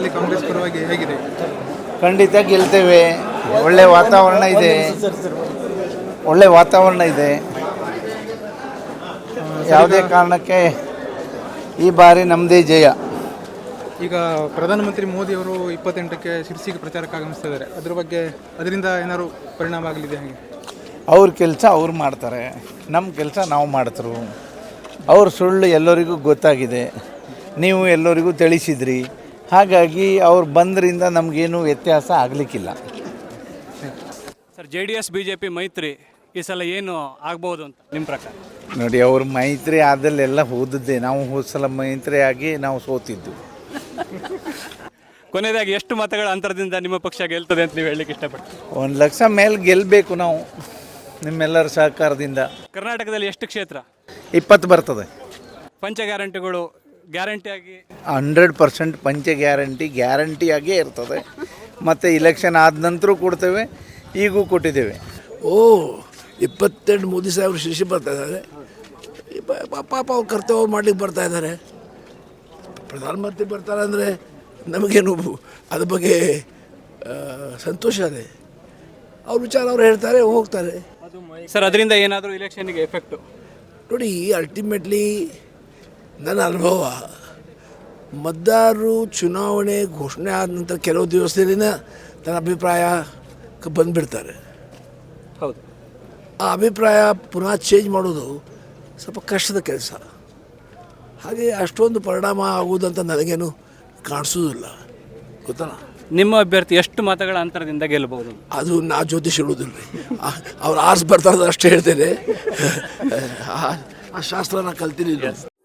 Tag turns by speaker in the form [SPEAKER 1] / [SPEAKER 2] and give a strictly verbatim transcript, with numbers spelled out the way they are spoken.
[SPEAKER 1] ಕ್ಷೇತ್ರದಲ್ಲಿ ಕಾಂಗ್ರೆಸ್ ಪರವಾಗಿ ಹೇಗಿದೆ?
[SPEAKER 2] ಖಂಡಿತ ಗೆಲ್ತೇವೆ. ಒಳ್ಳೆ ವಾತಾವರಣ ಇದೆ, ಒಳ್ಳೆ ವಾತಾವರಣ ಇದೆ. ಯಾವುದೇ ಕಾರಣಕ್ಕೆ ಈ ಬಾರಿ ನಮ್ಮದೇ ಜಯ.
[SPEAKER 1] ಈಗ ಪ್ರಧಾನಮಂತ್ರಿ ಮೋದಿ ಅವರು ಇಪ್ಪತ್ತೆಂಟಕ್ಕೆ ಶಿರ್ಸಿಗೆ ಪ್ರಚಾರಕ್ಕೆ ಆಗಮಿಸ್ತಾ ಇದ್ದಾರೆ. ಅದ್ರ ಬಗ್ಗೆ ಅದರಿಂದ ಏನಾದ್ರು ಪರಿಣಾಮ ಆಗಲಿದೆ ಹಾಗೆ?
[SPEAKER 2] ಅವ್ರ ಕೆಲಸ ಅವ್ರು ಮಾಡ್ತಾರೆ, ನಮ್ಮ ಕೆಲಸ ನಾವು ಮಾಡ್ತರು. ಅವ್ರ ಸುಳ್ಳು ಎಲ್ಲರಿಗೂ ಗೊತ್ತಾಗಿದೆ, ನೀವು ಎಲ್ಲರಿಗೂ ತಿಳಿಸಿದ್ರಿ. ಹಾಗಾಗಿ ಅವ್ರು ಬಂದ್ರಿಂದ ನಮಗೇನು ವ್ಯತ್ಯಾಸ ಆಗಲಿಕ್ಕಿಲ್ಲ.
[SPEAKER 3] Sir, J D S B J P ಮೈತ್ರಿ ಈ ಸಲ ಏನು ಆಗ್ಬೋದು ಅಂತ ನಿಮ್ಮ ಪ್ರಕಾರ?
[SPEAKER 2] ನೋಡಿ, ಅವ್ರ ಮೈತ್ರಿ ಆದಲ್ಲೆಲ್ಲ ಹೋದದ್ದೇ. ನಾವು ಹೋದ ಸಲ ಮೈತ್ರಿ ಆಗಿ ನಾವು ಸೋತಿದ್ದು.
[SPEAKER 3] ಕೊನೆಯದಾಗಿ ಎಷ್ಟು ಮತಗಳ ಅಂತರದಿಂದ ನಿಮ್ಮ ಪಕ್ಷ ಗೆಲ್ತದೆ ಅಂತ ನೀವು ಹೇಳಲಿಕ್ಕೆ ಇಷ್ಟಪಡ್ತೀವಿ?
[SPEAKER 2] ಒಂದು ಲಕ್ಷ ಮೇಲೆ ಗೆಲ್ಲಬೇಕು ನಾವು, ನಿಮ್ಮೆಲ್ಲರ ಸಹಕಾರದಿಂದ.
[SPEAKER 3] ಕರ್ನಾಟಕದಲ್ಲಿ ಎಷ್ಟು ಕ್ಷೇತ್ರ?
[SPEAKER 2] ಇಪ್ಪತ್ತು ಬರ್ತದೆ.
[SPEAKER 3] ಪಂಚ ಗ್ಯಾರಂಟಿಗಳು ಗ್ಯಾರಂಟಿಯಾಗಿ
[SPEAKER 2] ಹಂಡ್ರೆಡ್ ಪರ್ಸೆಂಟ್ ಪಂಚ ಗ್ಯಾರಂಟಿ ಗ್ಯಾರಂಟಿಯಾಗೇ ಇರ್ತದೆ. ಮತ್ತು ಇಲೆಕ್ಷನ್ ಆದ ನಂತರ ಕೊಡ್ತೇವೆ, ಈಗೂ ಕೊಟ್ಟಿದ್ದೇವೆ.
[SPEAKER 4] ಓ ಇಪ್ಪತ್ತೆಂಟು ಮೋದಿ ಸಾಹೇಬರು ಶಿಶಿ ಬರ್ತಾ ಇದ್ದಾರೆ. ಪಾಪ ಅವ್ರು ಕರ್ತವ್ಯ ಮಾಡ್ಲಿಕ್ಕೆ ಬರ್ತಾ ಇದ್ದಾರೆ. ಪ್ರಧಾನಮಂತ್ರಿ ಬರ್ತಾರೆ ಅಂದರೆ ನಮಗೇನು ಅದ್ರ ಬಗ್ಗೆ ಸಂತೋಷ ಇದೆ. ಅವ್ರ ವಿಚಾರ ಅವ್ರು ಹೇಳ್ತಾರೆ, ಹೋಗ್ತಾರೆ.
[SPEAKER 3] ಸರ್, ಅದರಿಂದ ಏನಾದರೂ ಇಲೆಕ್ಷನ್ಗೆ ಎಫೆಕ್ಟು?
[SPEAKER 4] ನೋಡಿ, ಅಲ್ಟಿಮೇಟ್ಲಿ ನನ್ನ ಅನುಭವ, ಮತದಾರರು ಚುನಾವಣೆ ಘೋಷಣೆ ಆದ ನಂತರ ಕೆಲವು ದಿವಸದಲ್ಲಿನ ತನ್ನ ಅಭಿಪ್ರಾಯಕ್ಕೆ ಬಂದುಬಿಡ್ತಾರೆ.
[SPEAKER 3] ಹೌದು.
[SPEAKER 4] ಆ ಅಭಿಪ್ರಾಯ ಪುನಃ ಚೇಂಜ್ ಮಾಡೋದು ಸ್ವಲ್ಪ ಕಷ್ಟದ ಕೆಲಸ. ಹಾಗೆ ಅಷ್ಟೊಂದು ಪರಿಣಾಮ ಆಗುವುದಂತ ನನಗೇನು ಕಾಣಿಸೋದಿಲ್ಲ, ಗೊತ್ತಲ್ಲ.
[SPEAKER 3] ನಿಮ್ಮ ಅಭ್ಯರ್ಥಿ ಎಷ್ಟು ಮತಗಳ ಅಂತರದಿಂದ ಗೆಲ್ಲಬಹುದು?
[SPEAKER 4] ಅದು ನಾ ಜ್ಯೋತಿಷ್ ಹೇಳೋದಿಲ್ಲ ರೀ. ಅವ್ರು ಆರ್ಸ್ ಬರ್ತಾರೆ ಅಷ್ಟೇ ಹೇಳ್ತೇನೆ. ಆ ಶಾಸ್ತ್ರ ನಾ ಕಲ್ತಿಲ್ಲ.